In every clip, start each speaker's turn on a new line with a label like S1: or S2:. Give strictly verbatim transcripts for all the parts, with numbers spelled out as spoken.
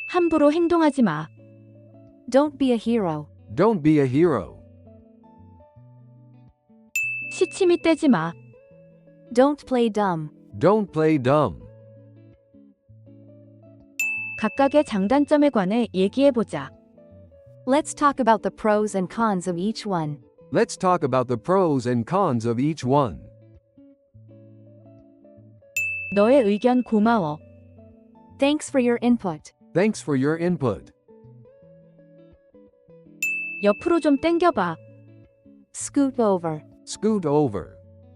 S1: 함부로 행동하지 마.
S2: Don't be a hero.
S3: Don't be a hero.
S1: 시치미 떼지 마.
S2: Don't play dumb.
S3: Don't play dumb.
S1: 각각의 장단점에 관해 얘기해보자.
S2: Let's talk about the pros and cons of each one.
S3: Let's talk about the pros and cons of each one.
S1: 너의 의견 고마워.
S2: Thanks for your input.
S3: Thanks for your input.
S1: 옆으로 좀 당겨봐.
S2: Scoot over.
S3: Scoot over.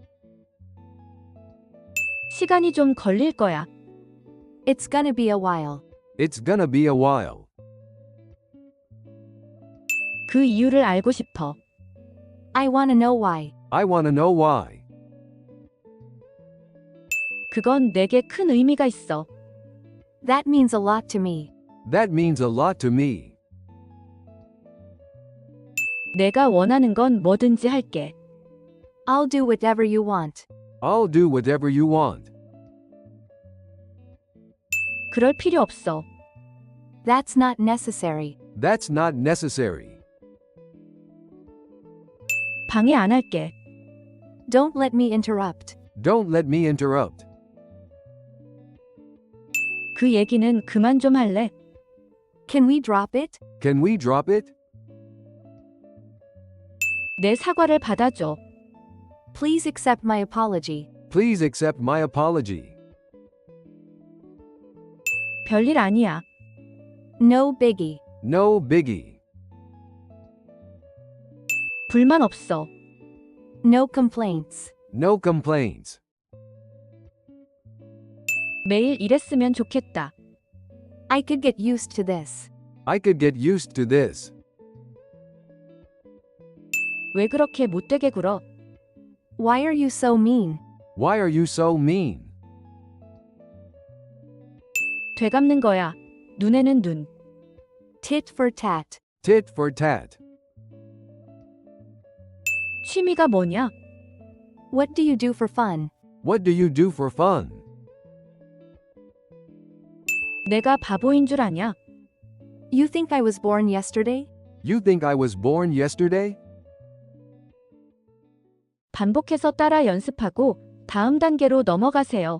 S1: 시간이 좀 걸릴 거야.
S2: It's gonna be a while.
S3: It's gonna be a while.
S1: 그 이유를 알고 싶어.
S2: I wanna know why.
S3: I wanna know why.
S1: 그건 내게 큰 의미가 있어.
S2: That means a lot to me.
S3: That means a lot to me.
S1: 내가 원하는 건 뭐든지 할게.
S2: I'll do whatever you want.
S3: I'll do whatever you want.
S1: 그럴 필요 없어.
S2: That's not necessary.
S3: That's not necessary.
S1: 방해 안 할게.
S2: Don't let me interrupt.
S3: Don't let me interrupt.
S1: 그 얘기는 그만 좀 할래?
S2: Can we drop it?
S3: Can we drop it?
S1: 내 사과를 받아줘.
S2: Please accept my apology.
S3: Please accept my apology.
S1: 별일 아니야.
S2: No biggie.
S3: No biggie.
S1: 불만 없어.
S2: No complaints.
S3: No complaints.
S1: 매일 이랬으면 좋겠다.
S2: I could get used to this.
S3: I could get used to this.
S1: 왜 그렇게 못되게 굴어?
S2: Why are you so mean?
S3: Why are you so mean?
S1: 되갚는 거야. 눈에는 눈.
S2: Tit for tat.
S3: Tit for tat.
S1: 취미가 뭐냐?
S2: What do you do for fun?
S3: What do you do for fun?
S1: 내가 바보인 줄 아냐?
S2: You think I was born yesterday?
S3: You think I was born yesterday?
S1: 반복해서 따라 연습하고 다음 단계로 넘어가세요.